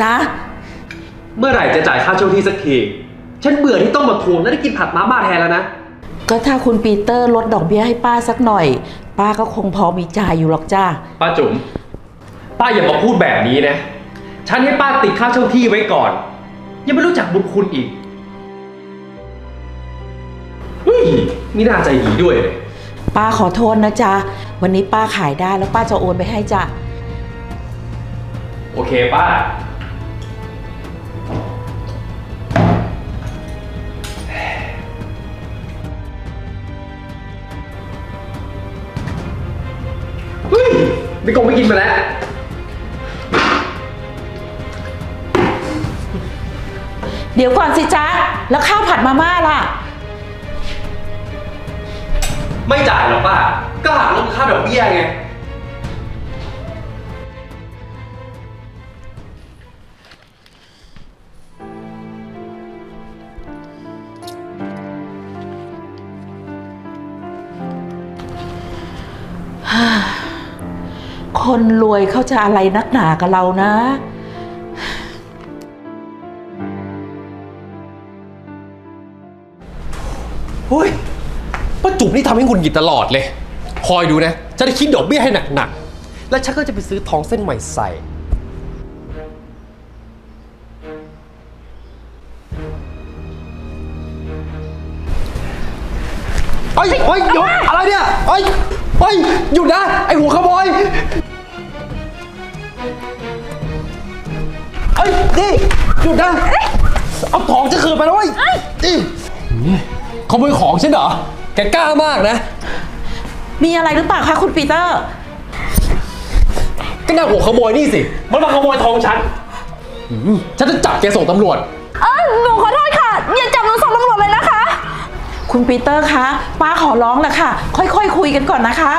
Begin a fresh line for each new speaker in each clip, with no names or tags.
จ๊ะ
เมื่อไหร่จะจ่ายค่าเช่าที่สักทีฉันเบื่อที่ต้องมาทวงและได้กินผัดมาม่าแทนแล้วนะ
ก็ถ้าคุณปีเตอร์ลดดอกเบี้ยให้ป้าสักหน่อยป้าก็คงพอมีจ่ายอยู่หรอกจ้า
ป้าจุ๋มป้าอย่ามาพูดแบบนี้นะฉันให้ป้าติดค่าเช่าที่ไว้ก่อนยังไม่รู้จักบุญคุณอีกเฮ้ยนี่น่าใจดีด้วยเลย
ป้าขอโทษนะจ๊ะวันนี้ป้าขายได้แล้วป้าจะโอนไปให้จ้ะ
โอเคป้าเฮ้ยไม่กงไม่กินมาแล้ว
เดี๋ยวก่อนสิจ๊ะแล้วข้าวผัดมาม่าล่ะ
ไม่จ่ายหรอกป้าก็หักลบค่าดอกเบี้ยไง
คนรวยเขาจะอะไรนักหนากับเรานะ
เฮ้ยป้าจุ๋มนี่ทำให้หงุดหงิดตลอดเลยคอยดูนะจะได้คิดดอกเบี้ยให้หนักๆแล้วฉันก็จะไปซื้อทองเส้นใหม่ใส่เฮ้ยเฮ้ยหยุดอะไรเนี่ยเฮ้ยเฮ้ยหยุดนะไอหัวขโมยเฮ้ยนี่หยุดนะเอาทองจะคืนไปแล้วเว้ยนี่ขโมยของใช่เหรอแกกล้ามากนะ
มีอะไรหรือเปล่าคะคุณปีเตอร์
ก็น่าหัวขโมยนี่สิมันมาขโมยทองฉันฉันจะจับแกส่งตำรวจ
หนูขอโทษค่ะอย่าจับหนูส่งตำรวจเลยนะคะ
คุณปีเตอร์คะป้าขอร้องแหละค่ะค่อยๆคุยกันก่อนนะคะ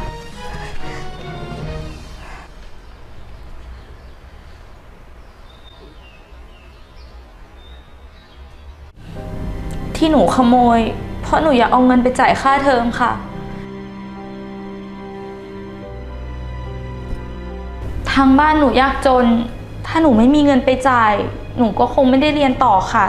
ที่หนูขโมยเพราะหนูอยากเอาเงินไปจ่ายค่าเทอมค่ะทางบ้านหนูยากจนถ้าหนูไม่มีเงินไปจ่ายหนูก็คงไม่ได้เรียนต่อค่ะ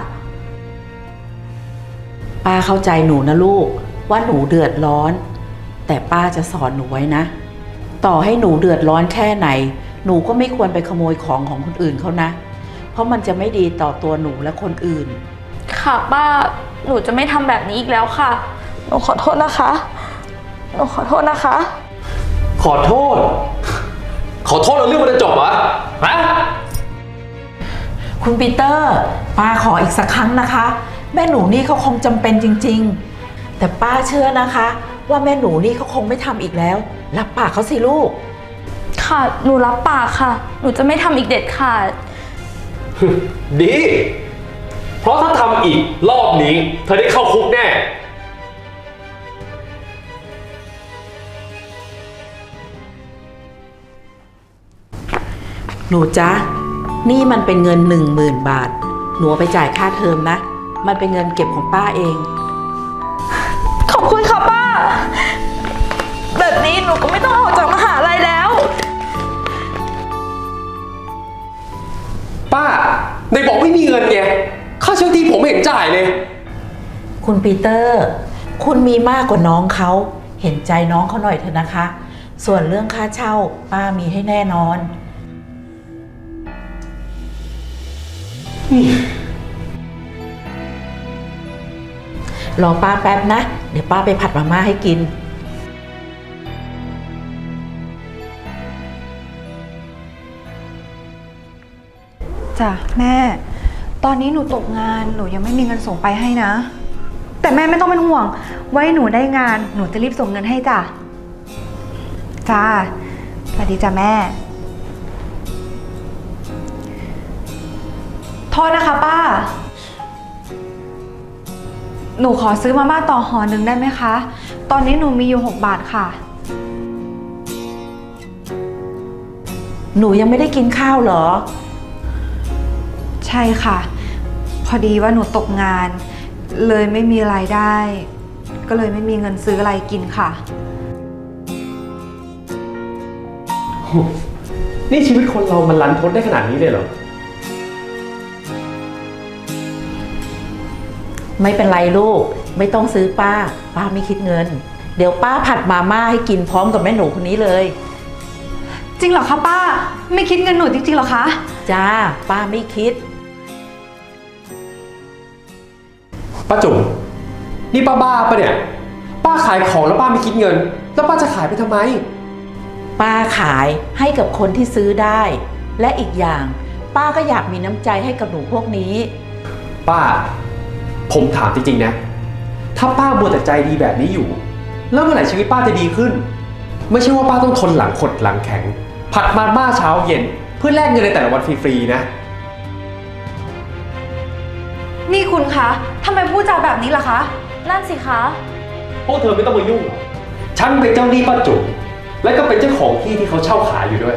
ป้าเข้าใจหนูนะลูกว่าหนูเดือดร้อนแต่ป้าจะสอนหนูไว้นะต่อให้หนูเดือดร้อนแค่ไหนหนูก็ไม่ควรไปขโมยของของคนอื่นเขานะเพราะมันจะไม่ดีต่อตัวหนูและคนอื่น
ค่ะป้าหนูจะไม่ทำแบบนี้อีกแล้วค่ะหนูขอโทษนะคะหนูขอโทษนะคะ
ขอโทษแล้วเรื่องมันจะจบเหรอฮะ
คุณปีเตอร์ป้าขออีกสักครั้งนะคะแม่หนูนี่เขาคงจำเป็นจริงๆแต่ป้าเชื่อนะคะว่าแม่หนูนี่เขาคงไม่ทำอีกแล้วรับปากเขาสิลูก
ค่ะหนูรับปากค่ะหนูจะไม่ทำอีกเด็ดขาด
ดีเพราะถ้าทำอีกรอบนี้เธอได้เข้าคุกแน่
หนูจ๊ะนี่มันเป็นเงิน10,000 บาทหนูไปจ่ายค่าเทอมนะมันเป็นเงินเก็บของป้าเอง
ขอบคุณค่ะป้าแบบนี้หนูก็ไม่ต้องออกจากมหาลัยแล้ว
ป้าในบอกไม่มีเงินไงค่าเช่าที่ผมไม่เห็นจ่ายเลย
คุณปีเตอร์คุณมีมากกว่าน้องเขาเห็นใจน้องเขาหน่อยเถอะนะคะส่วนเรื่องค่าเช่าป้ามีให้แน่นอนรอป้าแป๊บนะเดี๋ยวป้าไปผัดมาม่าให้กิน
จ้ะแม่ตอนนี้หนูตกงานหนูยังไม่มีเงินส่งไปให้นะแต่แม่ไม่ต้องเป็นห่วงไว้หนูได้งานหนูจะรีบส่งเงินให้จ้ะจ้าสวัสดีจ้ะแม่โทษนะคะป้าหนูขอซื้อมาม่าต่อห่อหนึ่งได้ไหมคะตอนนี้หนูมีอยู่6 บาทค่ะ
หนูยังไม่ได้กินข้าวเหรอ
ใช่ค่ะพอดีว่าหนูตกงานเลยไม่มีรายได้ก็เลยไม่มีเงินซื้ออะไรกินค่ะ
นี่ชีวิตคนเรามันรันทดได้ขนาดนี้เลยเหรอ
ไม่เป็นไรลูก ไม่ต้องซื้อป้า ป้าไม่คิดเงิน เดี๋ยวป้าผัดมาม่าให้กินพร้อมกับแม่หนูคนนี้เลย
จริงเหรอคะป้า ไม่คิดเงินหนูจริงๆเหรอคะ
จ้า ป้าไม่คิด
ป้าจุ๋มนี่ป้าบ้าปะเนี่ย ป้าขายของแล้วป้าไม่คิดเงิน แล้วป้าจะขายไปทำไม
ป้าขายให้กับคนที่ซื้อได้ และอีกอย่าง ป้าก็อยากมีน้ำใจให้กับหนูพวกนี้
ป้า ผมถามจริงๆนะ ถ้าป้ามัวแต่ใจดีแบบนี้อยู่ แล้วเมื่อไหร่ชีวิตป้าจะดีขึ้น ไม่ใช่ว่าป้าต้องทนหลังขดหลังแข็ง ผัดมาม่าเช้าเย็น เพื่อแลกเงินในแต่ละวันฟรีๆนะ
นี่คุณคะทำไมพูดจาแบบนี้ล่ะคะ
นั่นสิคะ
พวกเธอไม่ต้องมายุ่งหรอกฉันเป็นเจ้าหนี้ป้าจุ๋มและก็เป็นเจ้าของที่ที่เขาเช่าขายอยู่ด้วย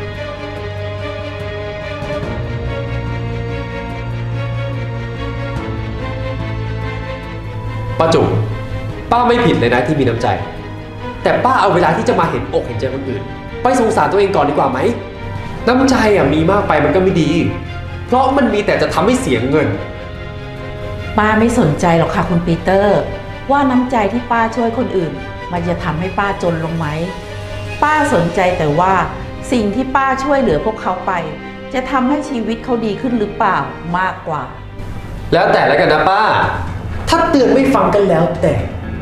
ป้าจุ๋มป้าไม่ผิดเลยนะที่มีน้ำใจ แต่ป้าเอาเวลาที่จะมาเห็นอกเห็นใจคนอื่น ไปสงสารตัวเองก่อนดีกว่าไหม น้ำใจมีมากไปมันก็ไม่ดี เพราะมันมีแต่จะทำให้เสียเงิน
ป้าไม่สนใจหรอกค่ะคุณปีเตอร์ ว่าน้ำใจที่ป้าช่วยคนอื่น มันจะทำให้ป้าจนลงไหม ป้าสนใจแต่ว่าสิ่งที่ป้าช่วยเหลือพวกเขาไป จะทำให้ชีวิตเขาดีขึ้นหรือเปล่ามากกว่า
แล้วแต่แล้วกันนะป้า ถ้าเตือนไม่ฟังกันแล้วแต่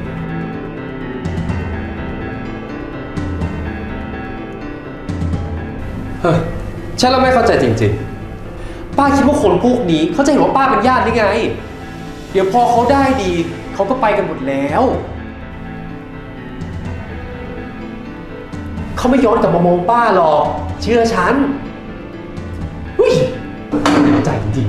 เฮ้ยฉันเราไม่เข้าใจจริงๆ ป้าคิดว่าคนพวกนี้เขาจะเห็นว่าป้าเป็นญาติได้ไง เดี๋ยวพอเขาได้ดี เขาก็ไปกันหมดแล้ว เขาไม่ย้อนกลับมามองป้าหรอก เชื่อฉันอุ้ยใจจริง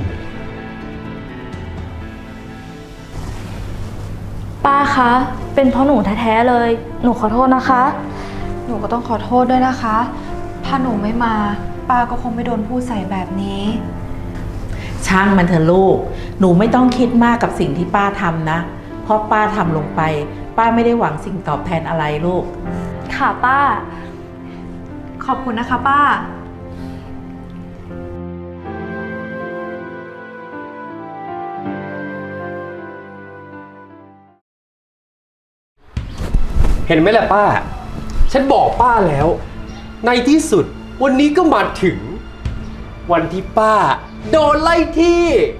ป้าคะ เป็นเพราะหนูแท้ๆเลย หนูขอโทษนะคะ
หนูก็ต้องขอโทษด้วยนะคะ ถ้าหนูไม่มา ป้าก็คงไม่โดนพูดใส่แบบนี้
ช่างมันเถอะลูก หนูไม่ต้องคิดมากกับสิ่งที่ป้าทำนะ เพราะป้าทำลงไป ป้าไม่ได้หวังสิ่งตอบแทนอะไรลูก
ค่ะป้า
ขอบคุณนะคะป้า
เห็นไหมล่ะป้า ฉันบอกป้าแล้ว ในที่สุดวันนี้ก็มาถึง วันที่ป้า โดนไล่ที่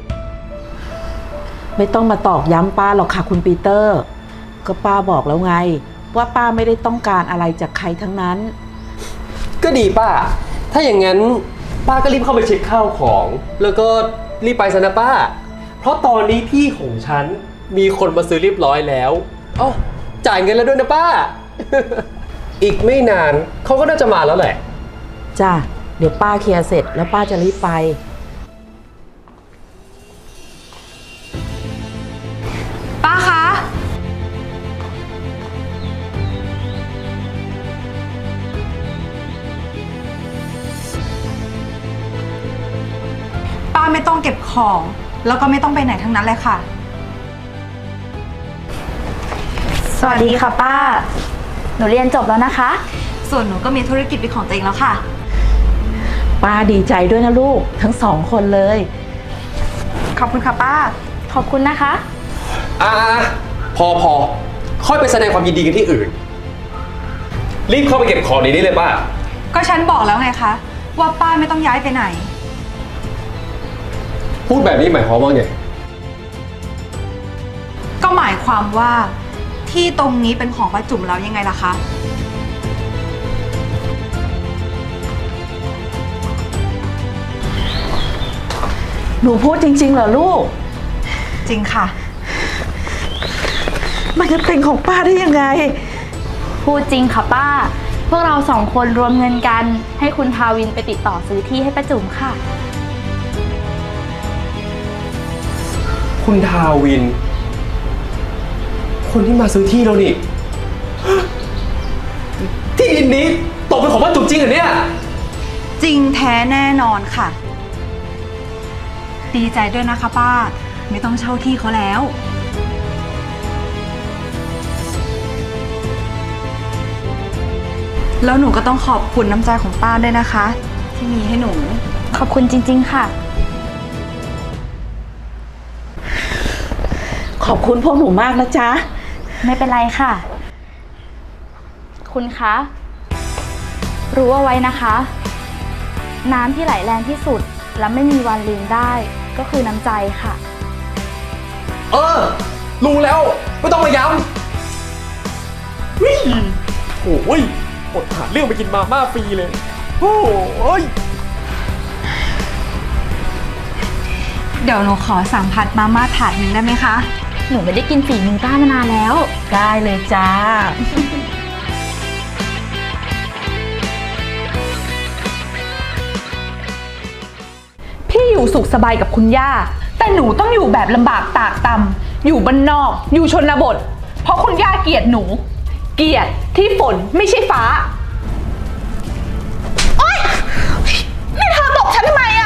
ไม่ต้องมาตอกย้ำป้าหรอกค่ะคุณปีเตอร์ ก็ป้าบอกแล้วไง ว่าป้าไม่ได้ต้องการอะไรจากใครทั้งนั้น
ก็ดีป้า ถ้าอย่างนั้นป้าก็รีบเข้าไปเช็คข้าวของ แล้วก็รีบไปซะนะป้า เพราะตอนนี้ที่ของฉันมีคนมาซื้อเรียบร้อยแล้วอ๋อจ่ายเงินแล้วด้วยนะป้า อีกไม่นานเขาก็น่าจะมาแล้วแหละ
จ้ะ เดี๋ยวป้าเคลียร์เสร็จแล้วป้าจะรีบไป
ป้าคะ ป้าไม่ต้องเก็บของ แล้วก็ไม่ต้องไปไหนทั้งนั้นเลยค่ะ
สวัสดีค่ะป้า หนูเรียนจบแล้วนะคะ
ส่วนหนูก็มีธุรกิจเป็นของตัวเองแล้วค่ะ
ป้าดีใจด้วยนะลูกทั้งสองคนเลย
ขอบคุณค่ะป้า
ขอบคุณนะคะ
พอค่อยไปแสดงความยินดีกันที่อื่น รีบเข้าไปเก็บของในนี้เลยป้า
ก็ฉันบอกแล้วไงคะ ว่าป้าไม่ต้องย้ายไปไหน
พูดแบบนี้หมายความว่าไง
ก็หมายความว่าที่ตรงนี้เป็นของป้าจุ๋มแล้วยังไงล่ะคะ
หนูพูดจริงๆเหรอลูก
จริงค่ะ
มันจะเป็นของป้าได้ยังไง
พูดจริงค่ะป้า พวกเราสองคนรวมเงินกัน ให้คุณทาวินไปติดต่อซื้อที่ให้ป้าจุ๋มค่ะ
คุณทาวิน คนที่มาซื้อที่เรานี่ ที่ดินนี้ตกเป็นของป้าจุ๋มจริงเหรอเนี่ย
จริงแท้แน่นอนค่ะ ดีใจด้วยนะคะป้า ไม่ต้องเช่าที่เขาแล้ว แล้วหนูก็ต้องขอบคุณน้ำใจของป้าด้วยนะคะ ที่มีให้หนู
ขอบคุณจริงๆค่ะ
ขอบคุณพวกหนูมากนะจ๊ะ
ไม่เป็นไรค่ะ คุณคะ รู้เอาไว้นะคะ น้ำที่ไหลแรงที่สุดและไม่มีวันลืมได้ก็คือน้ำใจค่ะ
รู้แล้วไม่ต้องมาย้ำวิ่งโอ้ยอดหาเรื่องไปกินมาม่าฟรีเลยโอ้ย
เดี๋ยวหนูขอสั่งผัดมาม่าถาดหนึ่งได้ไหมคะ
หนูไม่ได้กินฝีมือป้ามานานแล้ว
ได้เลยจ้า
พี่อยู่สุขสบายกับคุณย่า แต่หนูต้องอยู่แบบลำบากตากตำอยู่บ้านนอก อยู่ชนบท เพราะคุณย่าเกลียดหนู เกลียดที่ฝนไม่ใช่ฟ้า โอ๊ย นี่เธอตบฉันทำไมอะ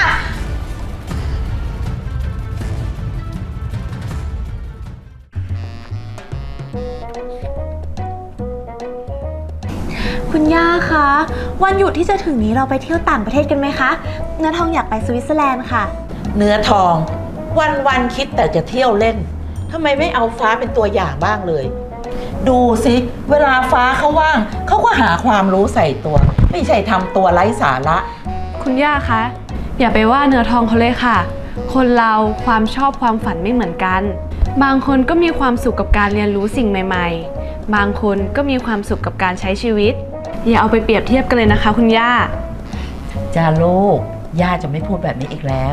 คุณย่าคะ วันหยุดที่จะถึงนี้เราไปเที่ยวต่างประเทศกันไหมคะ เนื้อทองอยากไปสวิตเซอร์แลนด์ค่ะ
เนื้อทอง วันคิดแต่จะเที่ยวเล่นทำไมไม่เอาฟ้าเป็นตัวอย่างบ้างเลย ดูสิเวลาฟ้าเขาว่างเขาก็หาความรู้ใส่ตัว ไม่ใช่ทำตัวไร้สาระ
คุณย่าคะ อย่าไปว่าเนื้อทองเขาเลยค่ะ คนเราความชอบความฝันไม่เหมือนกัน บางคนก็มีความสุขกับการเรียนรู้สิ่งใหม่ๆ บางคนก็มีความสุขกับการใช้ชีวิต อย่าเอาไปเปรียบเทียบกันเลยนะคะ คุณย่า
จ้าลูก ย่าจะไม่พูดแบบนี้อีกแล้ว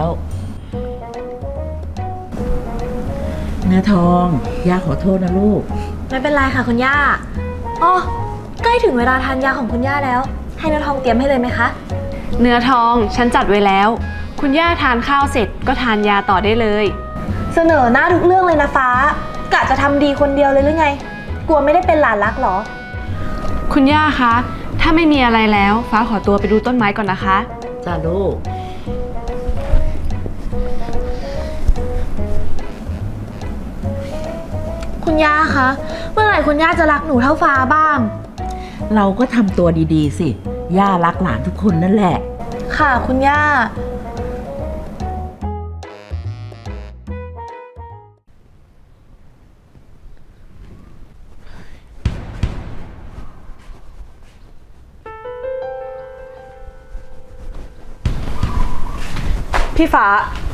เนื้อทอง ย่าขอโทษนะลูก
ไม่เป็นไรค่ะคุณย่าอ๋อใกล้ถึงเวลาทานยาของคุณย่าแล้ว ให้เนื้อทองเตรียมให้เลยไหมคะ
เนื้อทองฉันจัดไว้แล้ว คุณย่าทานข้าวเสร็จก็ทานยาต่อได้เลย
เสนอหน้าทุกเรื่องเลยนะฟ้ากะจะทำดีคนเดียวเลยหรือไง กลัวไม่ได้เป็นหลานรักเหรอ
คุณย่าคะ ถ้าไม่มีอะไรแล้ว ฟ้าขอตัวไปดูต้นไม้ก่อนนะคะ
จ้าลูก
คุณย่าคะเมื่อไหร่คุณย่าจะรักหนูเท่าฟ้าบ้าง
เราก็ทำตัวดีๆสิ ย่ารักหลานทุกคนนั่นแหละ
ค่ะคุณย่า
พี่ฟ้า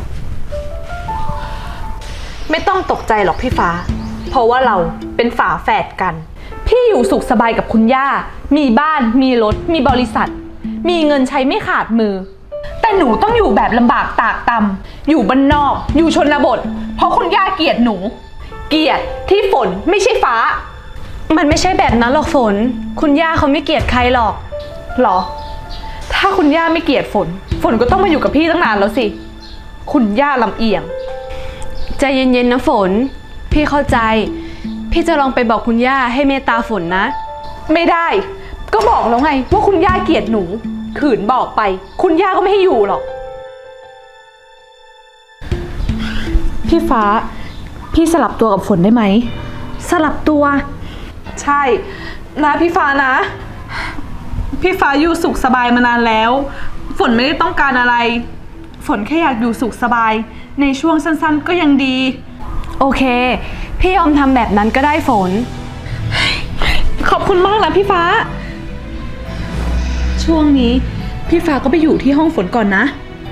ไม่ต้องตกใจหรอกพี่ฟ้า เพราะว่าเราเป็นฝาแฝดกัน พี่อยู่สุขสบายกับคุณย่า มีบ้าน มีรถ มีบริษัท มีเงินใช้ไม่ขาดมือ แต่หนูต้องอยู่แบบลำบากตากตำอยู่บ้านนอก อยู่ชนบท เพราะคุณย่าเกลียดหนู เกลียดที่ฝนไม่ใช่ฟ้า มันไม่ใช่แบบนั้นหรอกฝน คุณย่าเขาไม่เกลียดใครหรอกหรอ ถ้าคุณย่าไม่เกลียดฝน ฝนก็ต้องมาอยู่กับพี่ตั้งนานแล้วสิ คุณย่าลำเอียง ใจเย็นๆนะฝน พี่เข้าใจ พี่จะลองไปบอกคุณย่าให้เมตตาฝนนะ ไม่ได้ ก็บอกแล้วไงว่าคุณย่าเกลียดหนู ขืนบอกไป คุณย่าก็ไม่ให้อยู่หรอก พี่ฟ้า พี่สลับตัวกับฝนได้ไหม
สลับตัว
ใช่นะพี่ฟ้านะ พี่ฟ้าอยู่สุขสบายมานานแล้ว ฝนไม่ได้ต้องการอะไร ฝนแค่อยากอยู่สุขสบาย ในช่วงสั้นๆก็ยังดี โอเค พี่ยอมทำแบบนั้นก็ได้ฝน ขอบคุณมากนะพี่ฟ้า ช่วงนี้พี่ฟ้าก็ไปอยู่ที่ห้องฝนก่อนนะ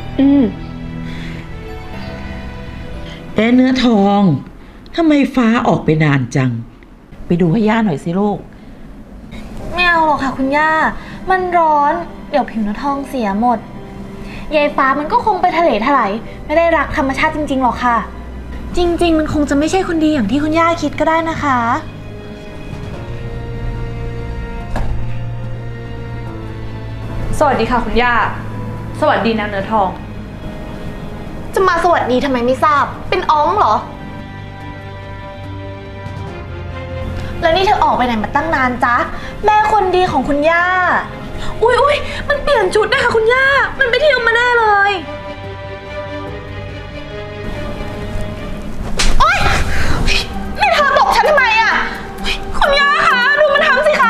เนื้อทองทำไมฟ้าออกไปนานจัง ไปดูให้ย่าหน่อยสิลูก
ไม่เอาหรอกค่ะคุณย่า มันร้อน เดี๋ยวผิวเนื้อทองเสียหมด ยายฟ้ามันก็คงไปทะเลถลายไม่ได้รักธรรมชาติจริงๆหรอกค่ะ จริงๆมันคงจะไม่ใช่คนดีอย่างที่คุณย่าคิดก็ได้นะคะ
สวัสดีค่ะคุณย่า สวัสดีนะเนื้อทอง
จะมาสวัสดีทำไมไม่ทราบ เป็นอ้องเหรอ แล้วนี่เธอออกไปไหนมาตั้งนานจ๊ะ แม่คนดีของคุณย่า อุ๊ยมันเปลี่ยนชุดนะคะคุณย่า มันไปเที่ยวมาแน่เลย โอ๊ยนี่เธอตบฉันทำไมอ่ะ คุณย่าคะดูมันทำสิคะ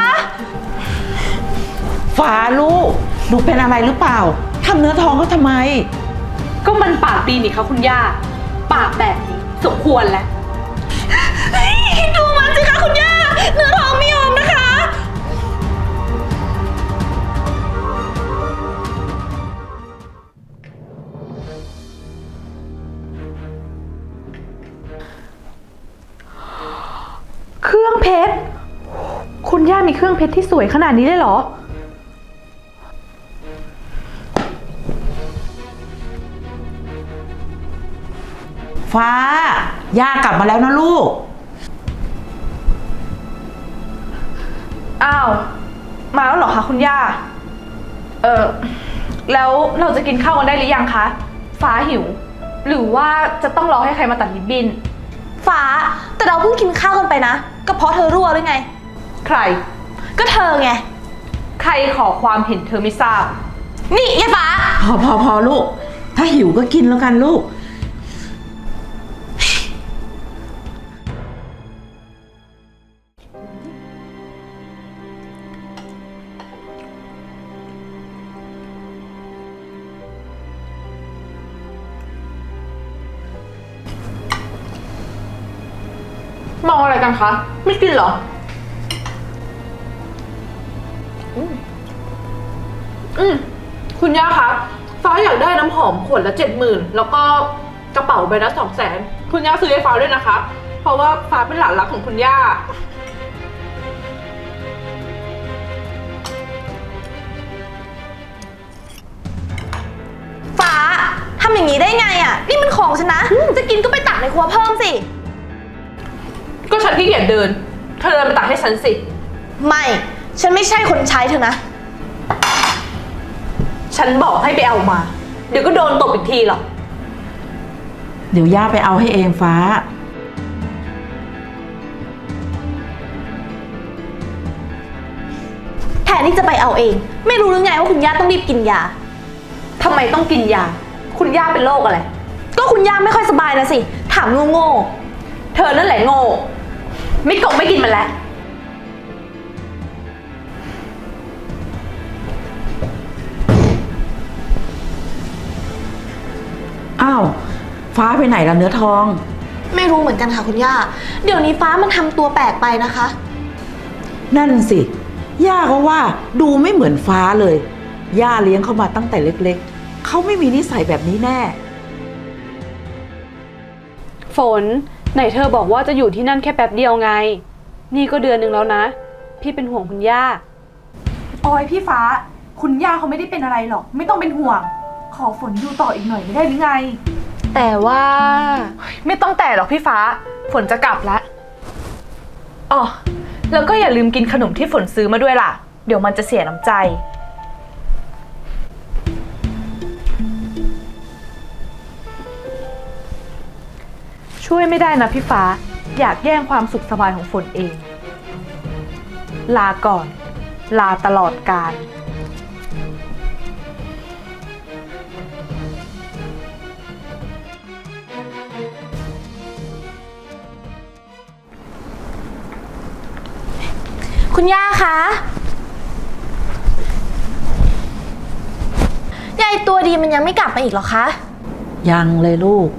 ฟ้าลูกหนูเป็นอะไรหรือเปล่าทำเนื้อทองเขาทำไม
ก็มันปากดีนี่คะคุณย่า ปากแบบนี้สมควรแล้วเพชร คุณย่ามีเครื่องเพชรที่สวยขนาดนี้เลยเหรอ
ฟ้า ย่ากลับมาแล้วนะลูก
อ้าว มาแล้วเหรอคะคุณย่า แล้วเราจะกินข้าวกันได้หรือยังคะ ฟ้าหิว หรือว่าจะต้องรอให้ใครมาตัดริบบิ้น
ฟ้า แต่เราเพิ่งกินข้าวกันไปนะ ก็เพราะเธอรั่วหรือไง
ใคร
ก็เธอไง
ใครขอความเห็นเธอไม่ทราบ
นี่ยายฟ้า
พอลูก ถ้าหิวก็กินแล้วกันลูก
มองอะไรกันคะ ไม่กินเหรอ คุณย่าคะ ฟ้าอยากได้น้ำหอมขวดละ70,000แล้วก็กระเป๋าใบละ200,000คุณย่าซื้อให้ฟ้าด้วยนะคะ เพราะว่าฟ้าเป็นหลานรักของคุณย่า
ฟ้าทำอย่างนี้ได้ไงอ่ะ นี่มันของฉันนะ จะกินก็ไปตักในครัวเพิ่มสิ
ก็ฉันขี้เกียจเดิน เธอเดินไปตักให้ฉันสิ
ไม่ ฉันไม่ใช่คนใช้เธอนะ
ฉันบอกให้ไปเอามา เดี๋ยวก็โดนตบอีกทีหรอก
เดี๋ยวย่าไปเอาให้เองฟ้า
แทนที่จะไปเอาเอง ไม่รู้หรือไงว่าคุณย่าต้องรีบกินยา
ทำไมต้องกินยา คุณย่าเป็นโรคอะไร
ก็คุณย่าไม่ค่อยสบายนะสิ ถามโง่
เธอนั่นแหละโง่ ไม่กินมันแล้ว
อ้าว ฟ้าไปไหนล่ะเนื้อทอง
ๆไม่รู้เหมือนกันค่ะคุณย่า เดี๋ยวนี้ฟ้ามันทำตัวแปลกไปนะคะ
นั่นสิ ย่าก็ว่าดูไม่เหมือนฟ้าเลย ย่าเลี้ยงเขามาตั้งแต่เล็กๆ เขาไม่มีนิสัยแบบนี้แน่
ฝน ไหนเธอบอกว่าจะอยู่ที่นั่นแค่แป๊บเดียวไง นี่ก็เดือนหนึ่งแล้วนะ พี่เป็นห่วงคุณย่า
โอ้ยพี่ฟ้า คุณย่าเขาไม่ได้เป็นอะไรหรอก ไม่ต้องเป็นห่วง ขอฝนอยู่ต่ออีกหน่อยไม่ได้หรือไง
แต่ว่าไม่ต้องแต่หรอกพี่ฟ้า ฝนจะกลับแล้วอ๋อแล้วก็อย่าลืมกินขนมที่ฝนซื้อมาด้วยล่ะ เดี๋ยวมันจะเสียน้ำใจ ช่วยไม่ได้นะพี่ฟ้า อยากแย่งความสุขสบายของฝนเอง ลาก่อน ลาตลอดกาล
คุณย่าคะยายตัวดีมันยังไม่กลับมาอีกเหรอคะ
ยังเลยลูก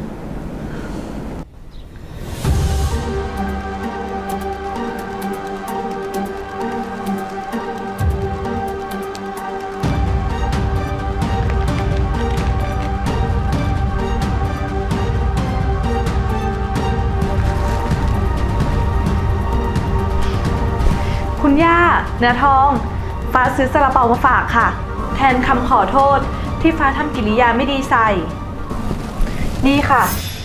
คุณย่า เนื้อทอง ฟ้าซื้อซาลาเปามาฝากค่ะ แทนคำขอโทษที่ฟ้าทำกิริยาไม่ดีใส่ นี่ค่ะ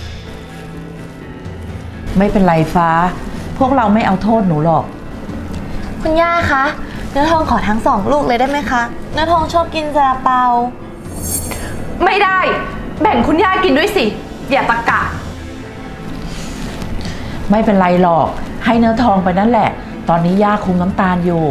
ไม่เป็นไรฟ้า พวกเราไม่เอาโทษหนูหรอก
คุณย่าคะเนื้อทองขอทั้ง2 ลูกเลยได้ไหมคะเนื้อทองชอบกินซาลาเปา
ไม่ได้ แบ่งคุณย่ากินด้วยสิ อย่าตะกะ
ไม่เป็นไรหรอก ให้เนื้อทองไปนั่นแหละ ตอนนี้ย่าคุมน้ำตาลอยู่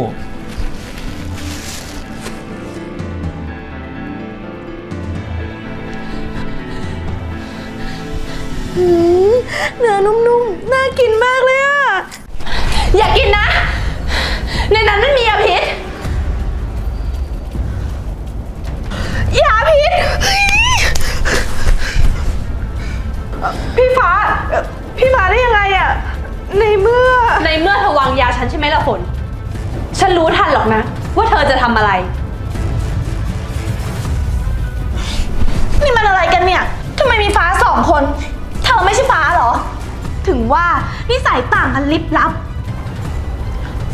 เนื้อนุ่มๆ น่ากินมากเลยอะ
อย่ากินนะ ในนั้นมันมียาพิษ
ยาพิษ
พี่ฟ้าได้ยังไงอะในเมื่อเธอวางยาฉันใช่ไหมล่ะฝน ฉันรู้ทันหรอกนะ ว่าเธอจะทำอะไร
นี่มันอะไรกันเนี่ยทำไมมีฟ้า2 คน เธอไม่ใช่ฟ้าเหรอ ถึงว่านิสัยต่างกันลิบลับ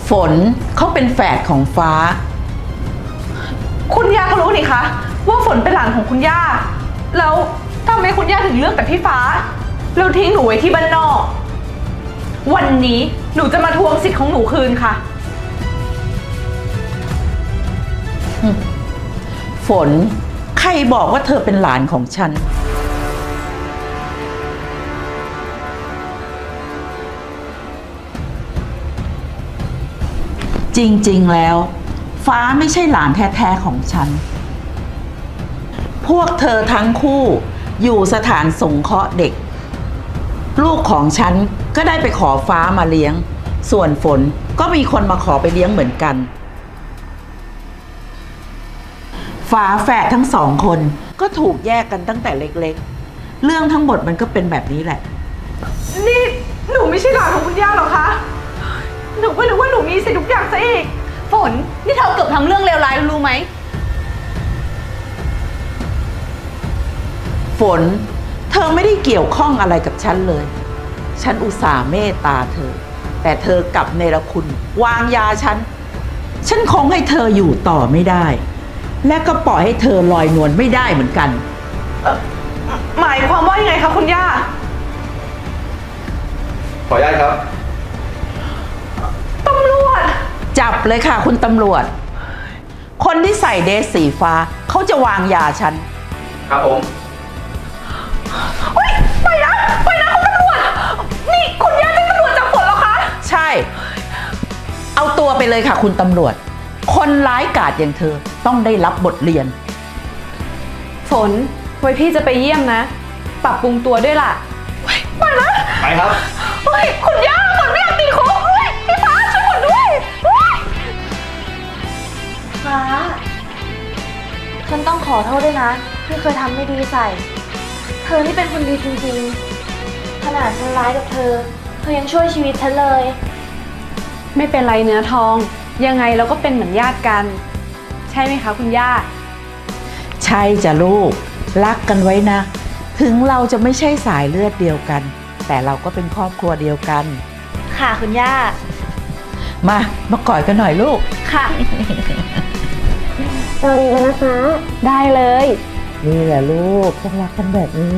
ฝนเขาเป็นแฝดของฟ้า
คุณย่าก็รู้นี่คะว่าฝนเป็นหลานของคุณย่า แล้วทำไมคุณย่าถึงเลือกแต่พี่ฟ้าแล้วทิ้งหนูไว้ที่บ้านนอก วันนี้หนูจะมาทวงสิทธิ์ของหนูคืนค่ะ
ฝนใครบอกว่าเธอเป็นหลานของฉัน จริงๆแล้ว ฟ้าไม่ใช่หลานแท้ๆของฉัน พวกเธอทั้งคู่อยู่สถานสงเคราะห์เด็ก ลูกของฉันก็ได้ไปขอฟ้ามาเลี้ยง ส่วนฝนก็มีคนมาขอไปเลี้ยงเหมือนกัน ฝาแฝดทั้งสองคนก็ถูกแยกกันตั้งแต่เล็กๆ เรื่องทั้งหมดมันก็เป็นแบบนี้แหละ
นี่หนูไม่ใช่หลานของคุณย่าหรอคะ หนูก็นึกว่าหนูมีสิทธิ์ทุกอย่างซะอีก ฝน นี่เธอเกือบทำเรื่องเลวร้ายรู้ไหม
ฝน เธอไม่ได้เกี่ยวข้องอะไรกับฉันเลย ฉันอุตส่าห์เมตตาเธอ แต่เธอกลับเนรคุณวางยาฉันคงให้เธออยู่ต่อไม่ได้ และก็ปล่อยให้เธอลอยนวลไม่ได้เหมือนกัน
หมายความว่ายังไงคะคุณย่า
ขออนุญาตครับ
ตำรวจ
จับเลยค่ะคุณตำรวจ คนที่ใส่เดรสสีฟ้าเขาจะวางยาฉัน
ครับผม
ไปนะคุณตำรวจ นี่คุณย่าเป็นตำรวจจับฝนเหรอคะ
ใช่ เอาตัวไปเลยค่ะคุณตำรวจ คนร้ายกาจอย่างเธอต้องได้รับบทเรียน
ฝน ไว้พี่จะไปเยี่ยมนะ ปรับปรุงตัวด้วยล่ะไปนะ
ไปครับ
เฮ้ยคุณย่าฝนไม่อยากติดคุกเฮ้ยพี่ฟ้าช่วยฝนด้วยเฮ้ย
ฟ้า ฉันต้องขอโทษด้วยนะ ที่เคยทำไม่ดีใส่ เธอนี่เป็นคนดีจริงๆ ขนาดฉันร้ายกับเธอยังช่วยชีวิตฉันเลย
ไม่เป็นไรเนื้อทอง ยังไงเราก็เป็นเหมือนญาติกัน ใช่ไหมคะคุณย่า
ใช่จ้ะลูก รักกันไว้นะ ถึงเราจะไม่ใช่สายเลือดเดียวกัน แต่เราก็เป็นครอบครัวเดียวกัน
ค่ะคุณย่า
มามากอดกันหน่อยลูก
ค่ะ
สวัสดีกันนะคะ
ได้เลย
นี่แหละลูกต้องรักกันแบบนี้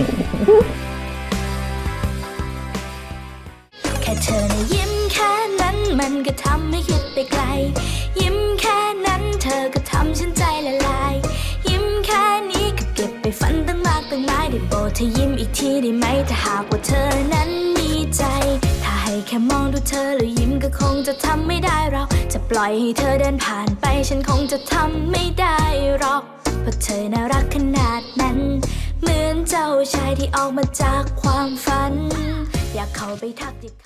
แค่เธอนะยิ้มแค่นั้นมันก็ทำให้คิดไปไกล ยิ้มแค่นั้นเธอก็ทำฉันใจละลาย ยิ้มแค่นี้ก็เก็บไปฝันตั้งมากตั้งหลายได้โปรดเธอยิ้มอีกทีได้ไหมถ้าหากว่าเธอนั้นมีใจ ถ้าให้แค่มองดูเธอแล้วยิ้มก็คงจะทำไม่ได้เราจะปล่อยให้เธอเดินผ่านไปฉันคงจะทำไม่ได้หรอกเพราะเธอน่ารักขนาดนั้น เหมือนเจ้าชายที่ออกมาจากความฝัน อยากเข้าไปทักทิ